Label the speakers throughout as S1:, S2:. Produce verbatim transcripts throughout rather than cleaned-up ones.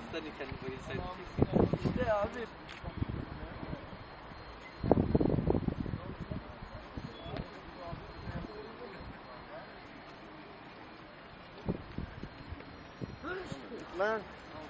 S1: sen de kendi boyunu söyleyeceksin.
S2: İşte abi. Lan.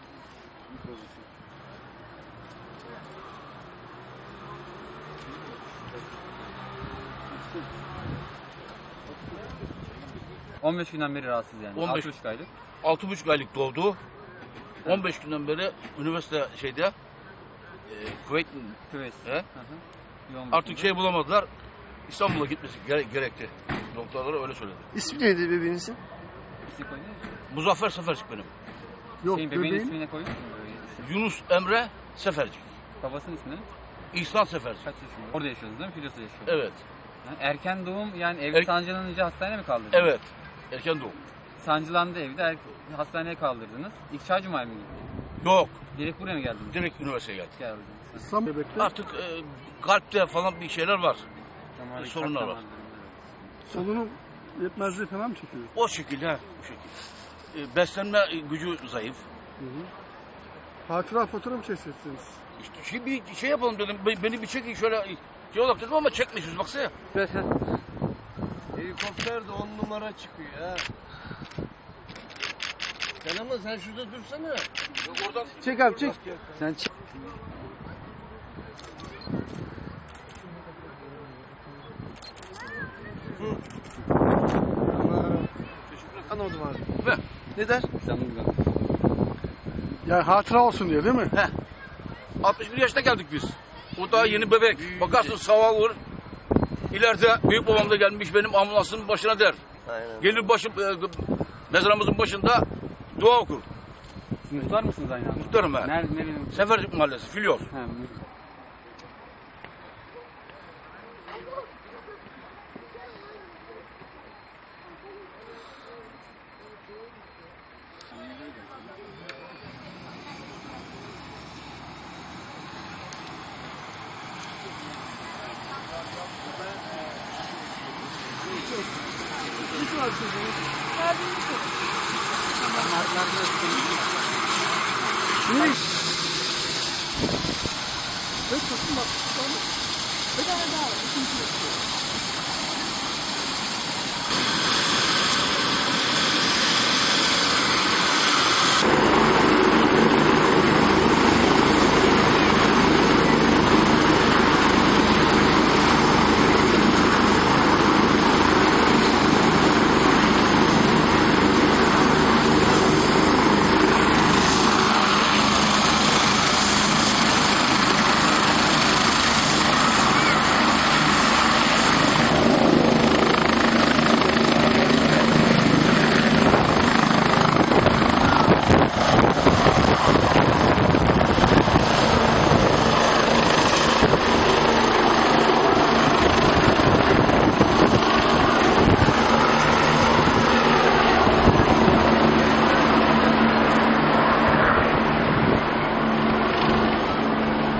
S3: on beş günden beri rahatsız yani.
S4: on beş
S3: altı buçuk aylık.
S4: altı buçuk aylık doğdu. on beş günden beri üniversite şeyde e, Kuveyt
S3: Küves.
S4: He?
S3: Hı hı. Yoğun
S4: artık
S3: bakımda.
S4: şey bulamadılar. İstanbul'a gitmesi gere gerekti. Doktorlara öyle söyledi.
S2: İsmi neydi bebeğinizin?
S3: İsim koydunuz mu?
S4: Muzaffer Sefercik benim.
S2: Yok
S3: Şeyin, bebeğin
S2: bebeğin.
S3: ismini koydunuz mu? Böyle isim?
S4: Yunus Emre Sefercik.
S3: Babasının ismi ne?
S4: İhsan Sefercik.
S3: Kaç yaşında? Orada yaşıyorsunuz değil mi? Filyos'ta yaşıyor.
S4: Evet.
S3: Yani erken doğum yani evde
S4: Er-
S3: sancılanınca hastaneye mi kaldırdınız?
S4: Evet. Erken doğum.
S3: Sancılandı evde er- hastaneye kaldırdınız. İlk çağ Cuma'ya mı gittiniz?
S4: Yok.
S3: Direkt buraya mı geldiniz?
S4: Direkt üniversiteye geldik.
S3: Geldiniz.
S2: Sam bebekte.
S4: Artık e, kalpte falan bir şeyler var.
S3: Tamam,
S4: sorunlar var.
S2: Solunum yetmezliği falan mı çekiyor?
S4: O şekilde. ha, Bu şekilde. E, beslenme e, gücü zayıf.
S2: Hı hı. Hatıra fotoğrafı mı çeksiniz?
S4: İşte şey, bir şey yapalım dedim. Be- Beni bir çekin şöyle. Şey olarak dedim ama çekmişiz baksana.
S1: Helikopter de on numara çıkıyor ha. Sen ama sen şurada dursana.
S4: Yok oradan
S2: Çek abi çek.
S3: Sen çık.
S2: Anladım abi.
S4: Ve
S2: Neden?
S3: İstanbul'da.
S2: Yani hatıra olsun diye değil mi?
S4: altmış bir yaşta geldik biz. O daha yeni bebek. Bakarsın sağ olur. İleride büyük babam da gelmiş benim ambulansın başına der.
S1: Aynen.
S4: Gelir başım e, mezarımızın başında dua okur.
S3: Siz muhtar mısınız aynı anda?
S4: Muhtarım ben.
S3: Nerede, nerenin?
S4: Sefercik Mahallesi, Filyos.
S3: Ha, mu-
S2: Hiç var çocuğun. Ne iş? Evet bakın bak. Bir tane daha var. İkinci yok.